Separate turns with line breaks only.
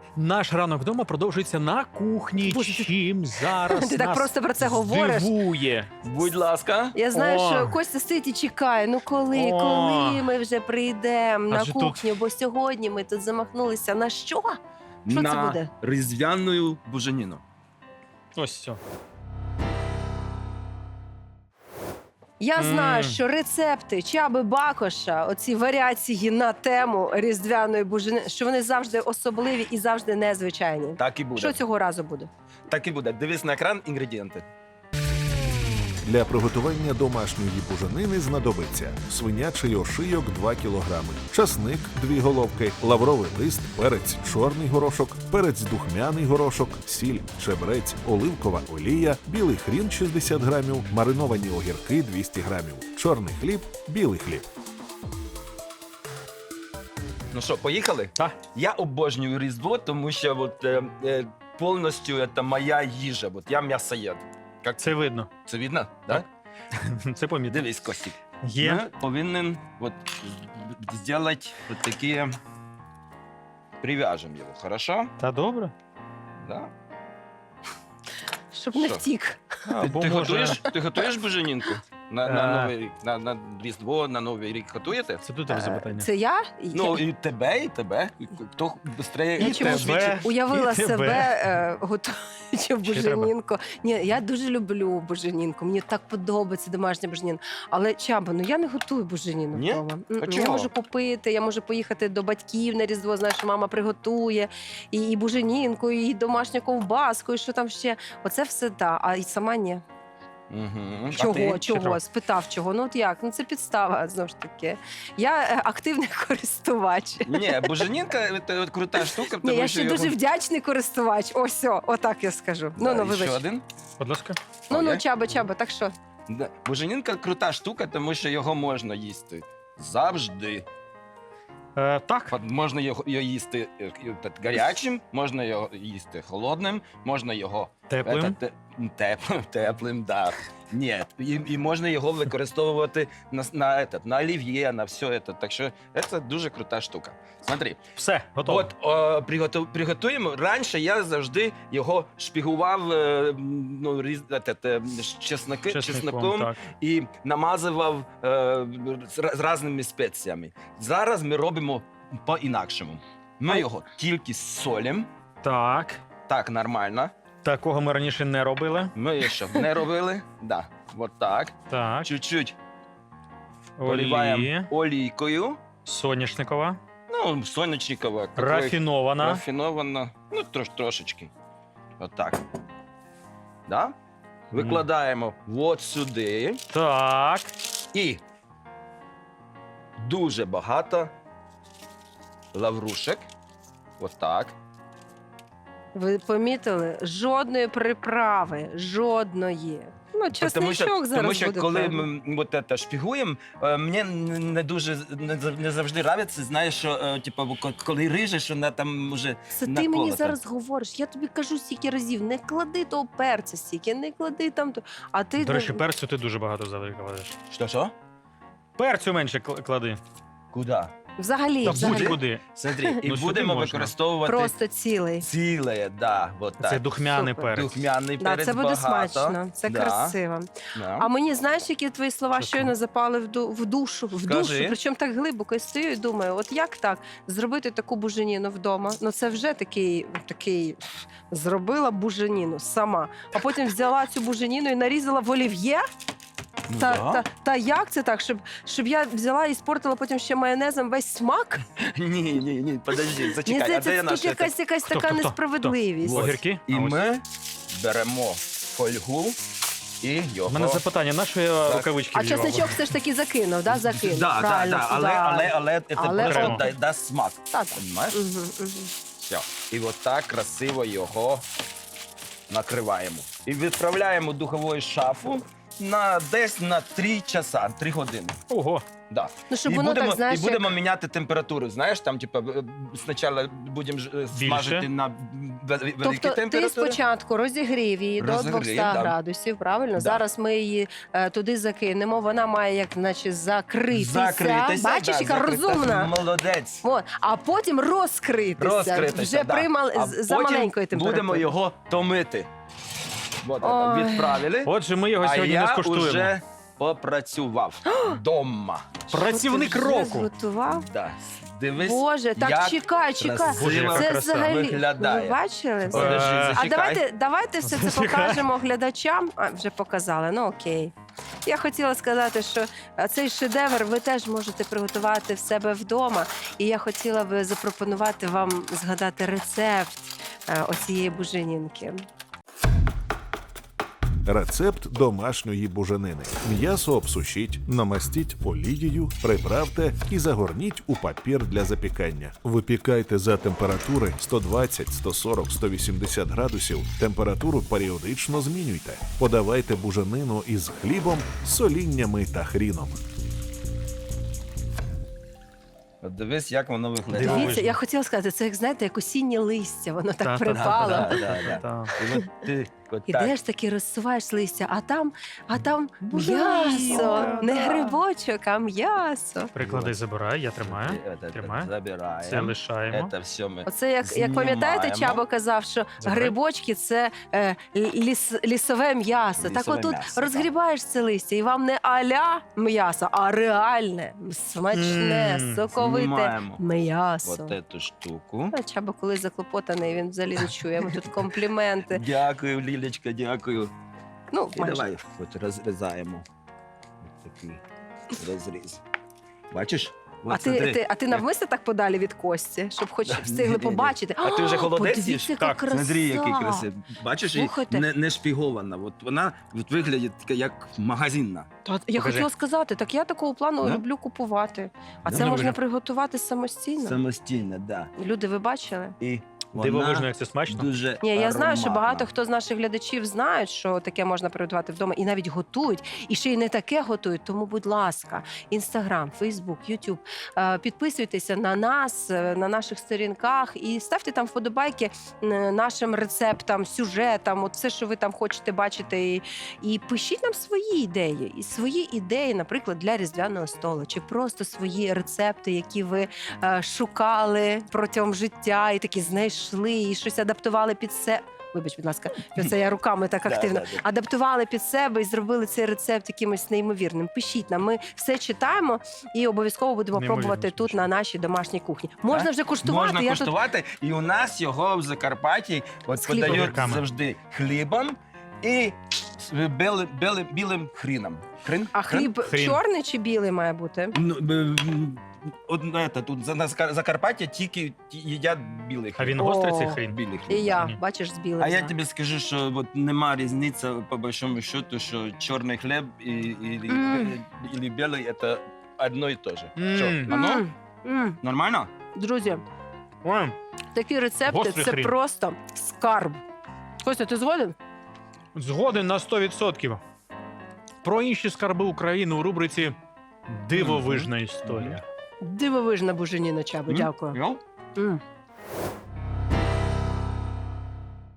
Наш ранок вдома продовжується на кухні.
Боже,
Чим зараз
Ти так
нас
просто про це говориш.
здивує?
Будь ласка.
Я знаю,
О.
що Костя стоїть і чекає. Ну коли
О.
ми вже прийдемо на
Адже тут-
кухню, бо сьогодні ми тут замахнулися на що? Що це
На
буде?
різдвяну буженіну.
Ось все.
Я знаю, що рецепти Чаби Бакоша, оці варіації на тему різдвяної бужени, що вони завжди особливі і завжди незвичайні.
Так і буде.
Що цього разу буде?
Так і буде. Дивись на екран інгредієнти.
Для приготування домашньої буженини знадобиться свинячий ошийок 2 кг, часник 2 головки, лавровий лист, перець чорний горошок, перець духмяний горошок, сіль, чебрець, оливкова олія, білий хрін 60 грамів, мариновані огірки 200 грамів, чорний хліб, білий хліб.
Ну що, поїхали?
Так.
Я обожнюю Різдво, тому що повністю це моя їжа. От я м'ясоєд. Як
Це видно.
Це видно?
Так.
Да?
Це помітно.
Дивись, Костік.
Є.
Ми повинні зробити от такі... Прив'яжемо його, хорошо?
Та добре.
Да?
Щоб не
Що?
втік.
Або
Ти
може...
готуєш буженінку? На Новий рік, на Різдво, на Новий рік готуєте?
Це до тебе запитання.
Це я?
Ну, і тебе, і тебе. Хто швидше
Я чомусь
тебе.
уявила
І тебе.
себе готуючи буженінку. Ні, я дуже люблю буженінку. Мені так подобається домашня буженіна. Але Чаба, ну я не готую буженіну
Ні?
вдома.
А
Я
чого?
можу купити, я можу поїхати до батьків на Різдво, знаєш, що мама приготує і буженінку, і домашню ковбаску, і що там ще. Оце все так, а і сама ні.
Угу.
Чого?
Чого?
Чого? Спитав чого. Ну от як? Ну це підстава, знову ж таки. Я активний користувач.
Ні, буженінка це от крута штука,
Ні,
тому
я
що
ще дуже вдячний користувач. Ось, отак я скажу. Ну,
Да, і
вибач.
ще один.
Будь ласка.
Ну,
Окей.
Чаба, так що?
Да. Буженінка крута штука, тому що його можна їсти завжди.
Так.
От можна його їсти гарячим, можна його їсти холодним, можна його
Теплим.
теплим, да. Ні, і можна його використовувати на олів'є, на все це. Так що це дуже крута штука. Смотри,
Все, готово.
от приготуємо. Раніше я завжди його шпігував чесноком
Так.
і намазував з різними спеціями. Зараз ми робимо по-інакшому. Ми його тільки солимо,
Так.
так, нормально.
Такого ми раніше не робили.
Ми ще не робили. Да, от так.
Так.
Чуть-чуть
Олії.
поливаємо олійкою.
Соняшникова.
Ну, сонячникова.
Рафінована.
Рафінована. Ну, трошечки. От так. Да? Викладаємо от сюди.
Так.
І дуже багато лаврушек. От так.
Ви помітили? Жодної приправи, жодної. Ну, чесничок зараз
тому що
буде.
коли
певно.
ми от це шпігуємо, мені не дуже не завжди нравиться, знаєш, що типу, коли рижеш, вона там вже
Це ти мені
наколота.
зараз говориш. Я тобі кажу стільки разів, не клади того перця стільки, не клади там. А ти
До речі, перцю ти дуже багато кладеш.
Що?
Перцю менше клади.
Куди?
взагалі,
Та
взагалі.
будь-куди.
Смотри, і
Ну, сюди
будемо
можна.
використовувати
Просто цілий.
ціле, да, от так.
Це духмяний
Супер.
перець.
Духмяний
Да,
перець
це буде
багато.
смачно, це
Да.
красиво.
Да.
А мені знаєш, які твої слова
Що
щойно запали в душу, в
Скажи.
душу, причому так глибоко і стою і думаю, от як так зробити таку буженіну вдома? Ну це вже такий зробила буженіну сама, а потім взяла цю буженіну і нарізала в олів'є.
Ну,
Та,
да.
та як це так, щоб я взяла і спортила потім ще майонезом весь смак?
Ні, подожди,
Мені
зачекай, а
здається,
де я
тут
наша?
якась
Хто,
така
хто, хто?
несправедливість.
Вот.
Огірки?
І
А ось.
ми беремо фольгу і його...
У мене запитання, на що я
Так.
рукавички
А
вдівав?
чесничок все ж таки закинув, да? Закинув.
Да,
Правильно,
але це
Але
просто
окремо.
дасть смак.
Та-та.
Понимаєш?
Мгм.
Все. І от так красиво його накриваємо. І відправляємо в духову шафу десь на 3 часа, 3 години.
Ого.
Да.
Ну, щоб
І
воно
будемо,
так, знаєш,
і будемо міняти температуру. Знаєш, там, типу, спочатку будемо смажити на великі
Тобто ти
температури.
спочатку розігрів її до
Розігрів,
200
да.
градусів, правильно?
Да.
Зараз ми її туди закинемо, вона має як наче закритися. Бачиш,
да,
яка
закритися.
розумна.
Молодець.
От, а потім розкритися. Вже
да. А
за
потім
маленької температури.
будемо його томити. От,
Ой.
відправили.
Отже, ми його
А
сьогодні не
я
скуштуємо.
вже попрацював дома.
Працівник
Що ти вже
року.
зготував?
Да. Дивись,
Боже, так
як
чекай.
красиво
Боже, яка
Це
краса.
взагалі,
виглядає.
ви бачили?
Подожди,
А
А
зачекай.
давайте все це
Зачекай.
покажемо глядачам. А, вже показали, ну окей. Я хотіла сказати, що цей шедевр ви теж можете приготувати в себе вдома. І я хотіла би запропонувати вам згадати рецепт оцієї буженінки.
Рецепт домашньої буженини. М'ясо обсушіть, намастіть олією, приправте і загорніть у папір для запікання. Випікайте за температури 120, 140, 180 градусів. Температуру періодично змінюйте. Подавайте буженину із хлібом, соліннями та хріном.
От дивись, як воно виглядає.
Дивовижно.
Дивіться, я хотіла сказати, це як знаєте, як осіннє листя, воно так
Та-та-та.
припало.
Та.
І от ти от так.
Ідеш таки, розсуваєш листя, а там
Буженінка,
м'ясо, не
да.
грибочок, а м'ясо.
Приклади забирай, я тримаю.
Тримай. Забираємо.
Це лишаємо.
Це все ми
Оце як пам'ятаєте,
знімаємо.
Чабо казав, що
Забирай.
грибочки це лісове м'ясо. Так
Лісове
отут
м'ясо,
розгрібаєш це листя, і вам не аля м'ясо, а реальне, смачне, соковите
Знімаємо
м'ясо.
от эту штуку.
А Чабо, коли заклопотаний, він взагалі не чує. Ми тут компліменти.
Дякую, Лілечка, дякую.
Ну,
І
майже.
давай от розрізаємо. Ось такий розріз. Бачиш? От
А ти
смотри.
навмисно так подалі від кості, щоб хоч встигли
Ні-ні-ні.
побачити.
А ти вже холодець
Подивіться,
їш?
яка
Так,
краса.
Смотри, який красивий. Бачиш, і
Слухайте.
не шпігована. От вона от виглядає така, як магазинна.
Я
Покажи.
хотіла сказати, так я такого плану
Да?
люблю купувати. А
Да?
це можна
Добре.
приготувати самостійно.
Самостійно, да.
Люди, ви бачили?
І
Дивовижно,
вона
як це смачно.
дуже
Ні, я знаю, що
ароматна.
багато хто з наших глядачів знають, що таке можна приготувати вдома, і навіть готують, і ще й не таке готують. Тому, будь ласка, Інстаграм, Фейсбук, Ютуб, підписуйтеся на нас, на наших сторінках і ставте там вподобайки нашим рецептам, сюжетам, от все, що ви там хочете бачити. І пишіть нам свої ідеї. І свої ідеї, наприклад, для різдвяного столу, чи просто свої рецепти, які ви шукали протягом життя, і такі знайшли, і щось адаптували під себе. Вибач, будь ласка, це я руками так
Да,
активно.
да.
Адаптували під себе і зробили цей рецепт якимось неймовірним. Пишіть нам, ми все читаємо і обов'язково будемо
Неймовірно
пробувати тут
смачно.
на нашій домашній кухні. Можна
Так?
вже куштувати.
Можна
я
куштувати, і у нас його в Закарпатті от
З хлібом.
подають
Огірками.
завжди хлібом і з білим хріном.
А хліб
Хрін.
чорний чи білий має бути?
Ну, тут на Закарпаття тільки їдять білий
А
хліб.
він гострий цей
О.
хрін?
Білий
І
хліб.
я,
Ні.
бачиш, з білим.
А я
знаю.
тобі скажу, що от нема різниці по большому счету, що чорний хліб і білий – це одно і те же. Що, воно? Нормально?
Друзі,
Ой,
такі рецепти
Гострий
це
хрін.
просто скарб. Костя, ти згоден?
згоден на 100%. Про інші скарби України у рубриці «Дивовижна історія».
Дивовижна буженіна, Чабо,
М?
дякую.
Йо?
М.